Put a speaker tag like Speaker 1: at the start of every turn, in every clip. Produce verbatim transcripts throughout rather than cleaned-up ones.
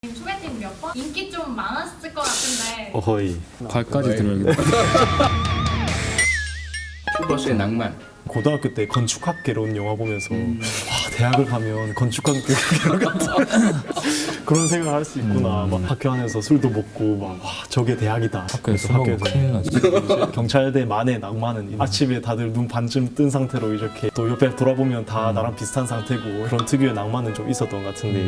Speaker 1: 소개팅 몇 번? 인기 좀 많았을 것 같은데.
Speaker 2: 어허이.
Speaker 3: 발까지 들어야겠다.
Speaker 4: 큐버스의 낭만.
Speaker 2: 고등학교 때 건축학개론 영화 보면서 음. 와 대학을 가면 건축학개론 같은 그런 생각을 할 수 있구나.
Speaker 3: 음.
Speaker 2: 막 학교 안에서 술도 먹고 막 와 저게 대학이다.
Speaker 3: 학교에서 술 먹으면 큰일 나지.
Speaker 2: 경찰대만의 낭만은 아침에 다들 눈 반쯤 뜬 상태로 이렇게 또 옆에 돌아보면 다 나랑 비슷한 상태고 그런 특유의 낭만은 좀 있었던 것 같은데.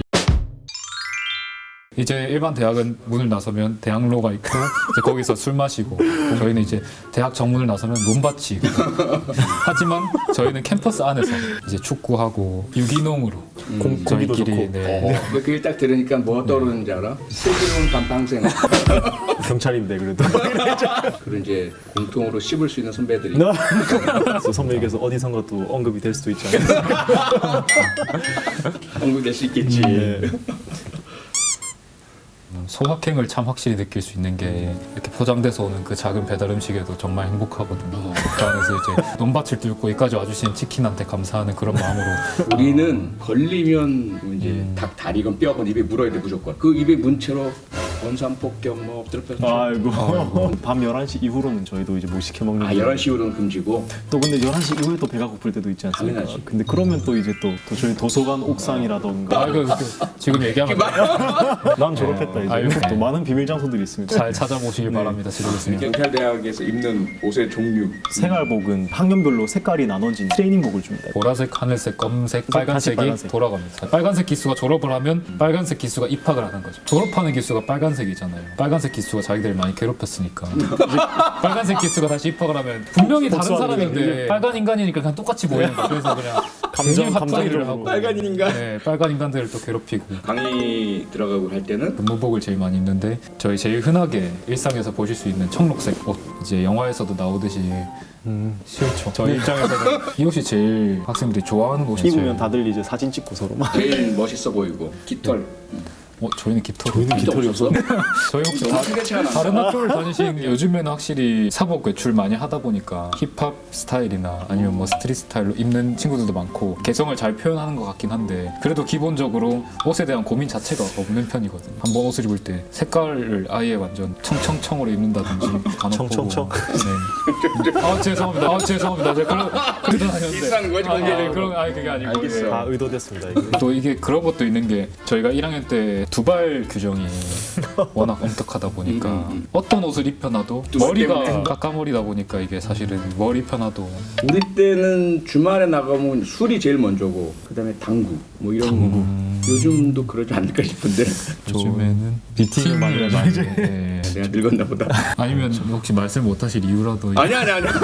Speaker 3: 이제 일반 대학은 문을 나서면 대학로가 있고 이제 거기서 술 마시고 저희는 이제 대학 정문을 나서면 논밭이 있고 하지만 저희는 캠퍼스 안에서 이제 축구하고 유기농으로
Speaker 4: 음.
Speaker 2: 공, 공기도
Speaker 3: 저희끼리
Speaker 2: 좋고
Speaker 3: 네.
Speaker 4: 그 일 딱 들으니까 뭐 떠오르는지 알아? 슬기로운 단방생.
Speaker 2: 경찰인데 그래도
Speaker 4: 그런 이제 공통으로 씹을 수 있는 선배들이.
Speaker 2: 선배에게서 어디선가 또 언급이 될 수도 있지 않을까.
Speaker 4: 언급될 수 있겠지.
Speaker 2: 네.
Speaker 3: 소확행을 참 확실히 느낄 수 있는 게 이렇게 포장돼서 오는 그 작은 배달 음식에도 정말 행복하거든요. 그 안에서 이제 논밭을 뚫고 여기까지 와주신 치킨한테 감사하는 그런 마음으로
Speaker 4: 우리는 걸리면 이제
Speaker 3: 음.
Speaker 4: 닭 다리건 뼈건 입에 물어야 돼 무조건. 그 입에 문 채로 원산폭격 뭐 엎드려 펴서.
Speaker 2: 아이고. 밤 열한 시 이후로는 저희도 이제 못 시켜 먹는.
Speaker 4: 아 열한 시 이후로는 금지고.
Speaker 2: 또 근데 열한 시 이후에 또 배가 고플 때도 있지 않습니까?
Speaker 4: 당연하지.
Speaker 2: 근데 그러면 또 이제 또, 또 저희 도서관 옥상이라던가.
Speaker 3: 아, 그, 그, 지금 얘기하면
Speaker 2: 난 졸업했다 이제.
Speaker 3: 아유,
Speaker 2: 또 많은 비밀 장소들이 있습니다.
Speaker 3: 잘 찾아보시길 바랍니다. 지르겠습니다.
Speaker 4: 경찰대학에서 입는 옷의 종류.
Speaker 2: 생활복은 학년별로 색깔이 나눠진 트레이닝복을 줍니다.
Speaker 3: 보라색, 하늘색, 검은색, 빨간색이
Speaker 2: 빨간색.
Speaker 3: 돌아갑니다. 빨간색 기수가 졸업을 하면 빨간색 기수가 입학을 하는 거죠. 졸업하는 기수가 빨간색이잖아요. 빨간색 기수가 자기들 많이 괴롭혔으니까 빨간색 기수가 다시 입학을 하면 분명히 다른
Speaker 2: 복수하는
Speaker 3: 사람인데
Speaker 2: 거예요.
Speaker 3: 빨간 인간이니까 그냥 똑같이 보이는 거예요. 그래서 그냥
Speaker 2: 감정,
Speaker 3: 괜히 핫플레이를
Speaker 2: 감정적으로.
Speaker 3: 하고
Speaker 4: 빨간 인간.
Speaker 3: 네, 빨간 인간들을 또 괴롭히고
Speaker 4: 강의 들어가고 할 때는
Speaker 3: 근무복을 제일 많이 입는데 저희 제일 흔하게 일상에서 보실 수 있는 청록색 옷 이제 영화에서도 나오듯이
Speaker 2: 음.
Speaker 3: 싫죠. 저희 입장에서는 이 옷이 제일 학생들이 좋아하는 옷이
Speaker 2: 입으면
Speaker 3: 제일
Speaker 2: 다들 이제 사진 찍고 서로 막.
Speaker 4: 제일 멋있어 보이고 깃털.
Speaker 3: 어, 저희는 깃털
Speaker 2: 저희는 깃털이 없어.
Speaker 3: 저희 혹시 다, 다른 학교를 다니신 요즘에는 확실히 사복 외출 많이 하다 보니까 힙합 스타일이나 아니면 뭐 스트릿 스타일로 입는 친구들도 많고 개성을 잘 표현하는 것 같긴 한데 그래도 기본적으로 옷에 대한 고민 자체가 없는 편이거든요. 한번 옷을 입을 때 색깔을 아예 완전 청청청으로 입는다든지
Speaker 2: 청청청?
Speaker 3: 네. 아 죄송합니다. 아 죄송합니다. 제가 그런 그러다 다녔는데
Speaker 4: 비싼 거지,
Speaker 3: 아,
Speaker 4: 그게.
Speaker 3: 네, 그런 아니 그게 아니고
Speaker 4: 알겠어.
Speaker 3: 예.
Speaker 2: 다 의도됐습니다. 이게.
Speaker 3: 또 이게 그런 것도 있는 게 저희가 일 학년 때 두발 규정이 워낙 엄격하다 보니까
Speaker 4: 음, 음, 음.
Speaker 3: 어떤 옷을 입혀놔도
Speaker 4: 두발
Speaker 3: 머리가
Speaker 4: 때문에.
Speaker 3: 까까머리다 보니까 이게 사실은 머리 입혀놔도
Speaker 4: 우리 때는 주말에 나가면 술이 제일 먼저고 그다음에 당구 뭐 이런 거. 요즘도 그러지 않을까 싶은데
Speaker 3: 요즘에는 미팅을 많이 많이 네.
Speaker 4: 내가 늙었나 보다.
Speaker 3: 아니면 혹시 말씀 못하실 이유라도
Speaker 4: 아니 아니 아니.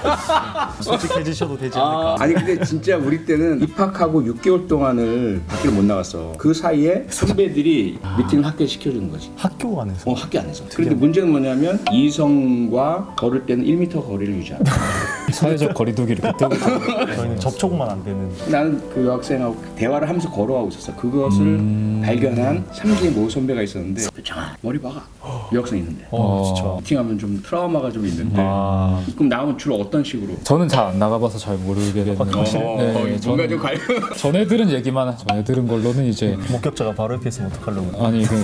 Speaker 2: 솔직해지셔도 되지 않을까.
Speaker 4: 아, 아니 근데 진짜 우리 때는 입학하고 육 개월 동안을 밖을 못 나갔어. 그 사이에 선배들이 미팅을 학교에 시켜주는 거지.
Speaker 2: 학교 안에서.
Speaker 4: 어 학교 안에서. 그런데 문제는 뭐냐면 이성과 걸을 때는 일 미터 거리를 유지하고.
Speaker 3: 사회적 거리두기를 그때부터
Speaker 2: 저희는 접촉만 안 되는.
Speaker 4: 나는 그 여학생하고 대화를 하면서 걸어가고 있었어. 그것을
Speaker 3: 음.
Speaker 4: 발견한 삼 기의 모 선배가 있었는데 장아 머리 박아. 여학생 있는데.
Speaker 2: 어,
Speaker 3: 어.
Speaker 2: 진짜.
Speaker 4: 미팅하면 좀 트라우마가 좀 있는데.
Speaker 2: 아.
Speaker 4: 그럼 나오면 주로 어떤 식으로?
Speaker 3: 저는 잘 안 나가봐서 잘 모르겠는데
Speaker 4: 어,
Speaker 3: 네,
Speaker 4: 뭔가
Speaker 3: 저는
Speaker 4: 좀 관련.
Speaker 3: 전에 들은 얘기만 전에 들은 걸로는 이제
Speaker 2: 목격자가 바로 옆에 있으면 어떡하려고.
Speaker 3: 아니 그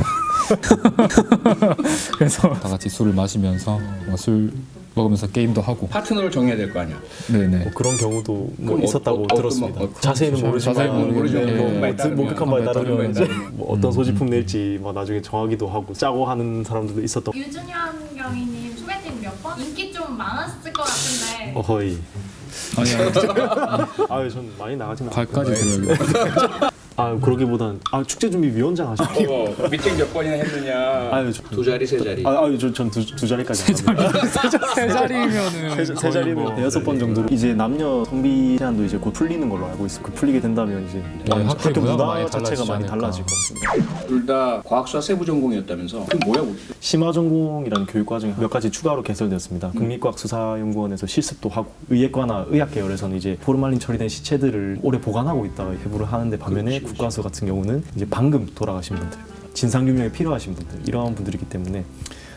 Speaker 3: 그래서 다 같이 술을 마시면서 뭐술 먹으면서 게임도 하고
Speaker 4: 파트너를 정해야 될 거 아니야.
Speaker 3: 네네
Speaker 2: 뭐 그런 경우도 뭐
Speaker 4: 그럼
Speaker 2: 있었다고
Speaker 4: 어, 어,
Speaker 2: 들었습니다.
Speaker 4: 어떤 뭐, 어,
Speaker 2: 자세히는 모르지만
Speaker 3: 자세히는 모르지만
Speaker 2: 뭐,
Speaker 3: 예.
Speaker 2: 뭐, 드- 목격한 바에 따르면
Speaker 3: 따르면
Speaker 2: 이제
Speaker 3: 따르면.
Speaker 2: 뭐 어떤 소지품 낼지 뭐 나중에 정하기도 하고 짜고 하는 사람들도 있었던.
Speaker 1: 유준현 경위님 소개팅 몇 번? 인기 좀 많았을 것 같은데.
Speaker 2: 어허이.
Speaker 3: 아니 아니
Speaker 2: 아유 전 많이 나가진 않아요.
Speaker 3: 발까지 들어야겠다.
Speaker 2: 아 그러기보단 아 축제 준비 위원장 하시고.
Speaker 4: 어, 미팅 몇 번이나 했느냐.
Speaker 2: 아유 저,
Speaker 4: 두 자리 세 자리.
Speaker 2: 아, 아유 전두 두 자리까지 안 합니다.
Speaker 3: 세 자리면은
Speaker 2: 세, 세 자리면 대여섯 번 정도로 이제 남녀 성비 제한도 이제 곧 풀리는 걸로 알고 있습니다. 그 풀리게 된다면 이제
Speaker 3: 네, 학교 문화가 많이
Speaker 2: 자체가
Speaker 3: 달라지지
Speaker 2: 많이
Speaker 3: 않을까.
Speaker 2: 달라질 것 같습니다.
Speaker 4: 둘 다 과학수와 세부 전공이었다면서. 그 뭐야? 우리?
Speaker 2: 심화 전공이라는 교육 과정이 몇 가지 추가로 개설되었습니다. 국립과학수사연구원에서 실습도 하고 의예과나 의학 계열에서는 이제 포르말린 처리된 시체들을 오래 보관하고 있다가 해부를 하는데 반면에
Speaker 4: 그렇지, 그렇지.
Speaker 2: 국과수 같은 경우는 이제 방금 돌아가신 분들, 진상 규명에 필요하신 분들 이러한 분들이기 때문에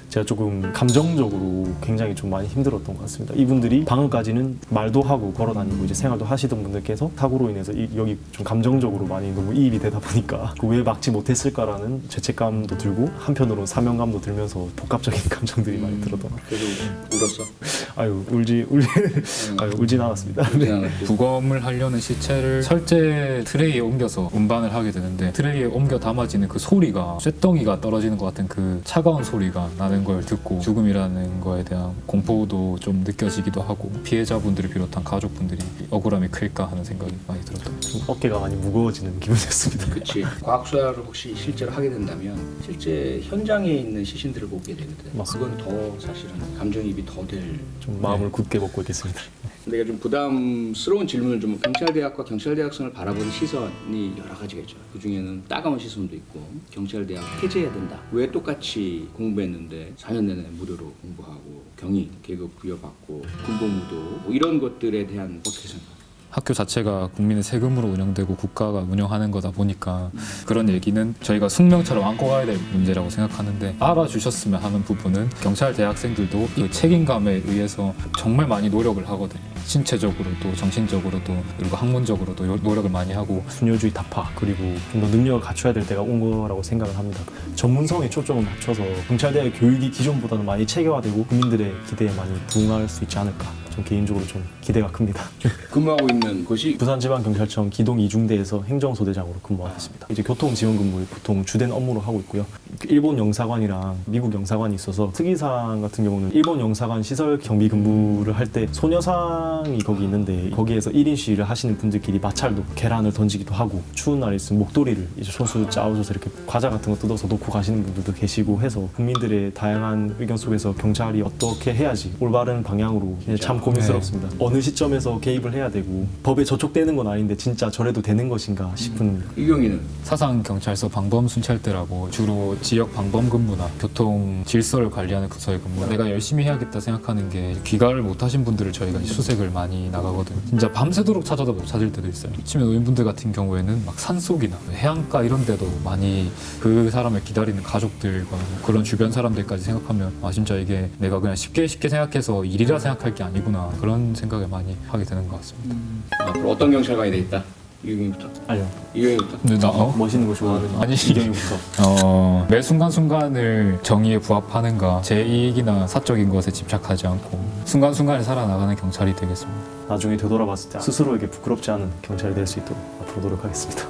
Speaker 2: 제가 조금 감정적으로 굉장히 좀 많이 힘들었던 것 같습니다. 이분들이 방금까지는 말도 하고 걸어다니고 이제 생활도 하시던 분들께서 사고로 인해서 이, 여기 좀 감정적으로 많이 너무 이입이 되다 보니까 그 왜 막지 못했을까라는 죄책감도 들고 한편으로는 사명감도 들면서 복합적인 감정들이 많이 들었던 것 같아요.
Speaker 4: 그래도 울었어.
Speaker 2: 아유 울지 울지 아유 울진 않았습니다. 네.
Speaker 3: 부검을 하려는 시체를 철제 트레이에 옮겨서 운반을 하게 되는데 트레이에 옮겨 담아지는 그 소리가 쇳덩이가 떨어지는 것 같은 그 차가운 소리가 나는 걸 듣고 죽음이라는 거에 대한 공포도 좀 느껴지기도 하고 피해자분들을 비롯한 가족분들이 억울함이 클까 하는 생각이 많이 들었던 것 같아요.
Speaker 2: 좀 어깨가 많이 무거워지는 기분이었습니다.
Speaker 4: 그렇지. 과학수사를 혹시 실제로 하게 된다면 실제 현장에 있는 시신들을 보게 되거든.
Speaker 2: 맞습니다.
Speaker 4: 그건 더 사실은 감정이입이 더 될.
Speaker 2: 좀 마음을 굳게 먹고 있겠습니다.
Speaker 4: 내가 좀 부담스러운 질문을 좀 경찰대학과 경찰대학생을 바라보는 시선이 여러 가지가 있죠. 그 중에는 따가운 시선도 있고 경찰대학 폐지해야 된다. 왜 똑같이 공부했는데 사 년 내내 무료로 공부하고 경위, 계급 부여받고 군복무도 뭐 이런 것들에 대한 어떻게 생각해요?
Speaker 3: 학교 자체가 국민의 세금으로 운영되고 국가가 운영하는 거다 보니까 그런 얘기는 저희가 숙명처럼 안고 가야 될 문제라고 생각하는데 알아주셨으면 하는 부분은 경찰 대학생들도 그 책임감에 의해서 정말 많이 노력을 하거든요. 신체적으로도 정신적으로도 그리고 학문적으로도 요- 노력을 많이 하고
Speaker 2: 순효주의 타파 그리고 좀 더 능력을 갖춰야 될 때가 온 거라고 생각을 합니다. 전문성에 초점을 맞춰서 경찰대의 교육이 기존보다는 많이 체계화되고 국민들의 기대에 많이 부응할 수 있지 않을까. 좀 개인적으로 좀 기대가 큽니다.
Speaker 4: 근무하고 있는 곳이
Speaker 2: 부산지방경찰청 기동 이중대에서 행정소대장으로 근무하고 있습니다. 이제 교통지원근무를 보통 주된 업무로 하고 있고요. 일본 영사관이랑 미국 영사관이 있어서 특이사항 같은 경우는 일본 영사관 시설 경비 근무를 할 때 소녀상이 거기 있는데 거기에서 일 인 시위를 하시는 분들끼리 마찰도 계란을 던지기도 하고 추운 날에 있으면 목도리를 이제 손수 짜오셔서 이렇게 과자 같은 거 뜯어서 놓고 가시는 분들도 계시고 해서 국민들의 다양한 의견 속에서 경찰이 어떻게 해야지 올바른 방향으로 이제 참 고민스럽습니다. 어느 시점에서 개입을 해야 되고 법에 저촉되는 건 아닌데 진짜 저래도 되는 것인가 싶은
Speaker 4: 이경이는
Speaker 3: 사상경찰서 방범순찰대라고 주로 지역 방범 근무나 교통 질서를 관리하는 부서에 근무. 내가 열심히 해야겠다 생각하는 게 귀가를 못하신 분들을 저희가 수색을 많이 나가거든요. 진짜 밤새도록 찾아다 찾을 때도 있어요. 치매 노인분들 같은 경우에는 막 산속이나 해안가 이런 데도 많이 그 사람을 기다리는 가족들과 뭐 그런 주변 사람들까지 생각하면 아 진짜 이게 내가 그냥 쉽게 쉽게 생각해서 일이라 생각할 게 아니구나 그런 생각을 많이 하게 되는 것 같습니다.
Speaker 4: 앞으로 어떤 경찰관이 돼 있다? 이경이부터.
Speaker 2: 아니요.
Speaker 4: 이경이부터.
Speaker 3: 근데 나 어?
Speaker 2: 멋있는 거 좋아하는
Speaker 3: 아니.
Speaker 2: 이경이부터
Speaker 3: 어, 매 순간순간을 정의에 부합하는가 제 이익이나 사적인 것에 집착하지 않고 순간순간을 살아나가는 경찰이 되겠습니다.
Speaker 2: 나중에 되돌아봤을 때 스스로에게 부끄럽지 않은 경찰이 될 수 있도록 앞으로 노력하겠습니다.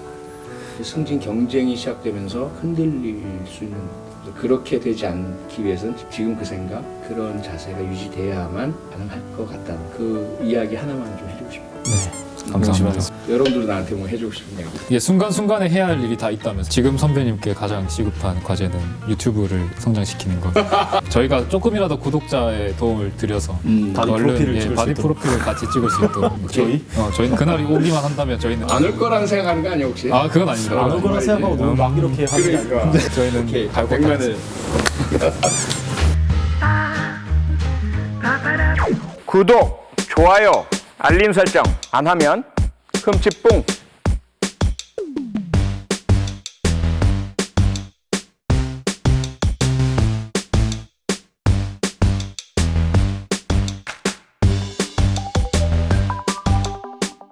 Speaker 4: 승진 경쟁이 시작되면서 흔들릴 수 있는 그렇게 되지 않기 위해서는 지금 그 생각, 그런 자세가 유지돼야만 가능할 것 같다는 그 이야기 하나만 좀 해주고 싶어요.
Speaker 2: 네.
Speaker 3: 감사합니다.
Speaker 4: 여러분들도 나한테 뭐 해주고 싶은 이야기.
Speaker 3: 이게 순간순간에 해야 할 일이 다 있다면서 지금 선배님께 가장 시급한 과제는 유튜브를 성장시키는 것. 저희가 조금이라도 구독자의 도움을 드려서
Speaker 4: 음,
Speaker 2: 바디
Speaker 3: 얼른
Speaker 2: 프로필을
Speaker 3: 예,
Speaker 2: 찍을 수
Speaker 3: 바디
Speaker 2: 있도록.
Speaker 3: 프로필을 같이 찍을 수 있도록
Speaker 2: 저희?
Speaker 3: 어, 저희는 그날이 오기만 한다면 저희는
Speaker 4: 안 올 거라는 생각하는 거 아니야 혹시?
Speaker 3: 아 그건 아닙니다.
Speaker 2: 안 올 거라 생각하고 너무 막 이렇게 하는 게 아니라
Speaker 4: 그러니까.
Speaker 3: 저희는
Speaker 4: 오케이.
Speaker 3: 갈고
Speaker 4: 백만을. 구독, 좋아요, 알림 설정 안 하면 흠칫뿡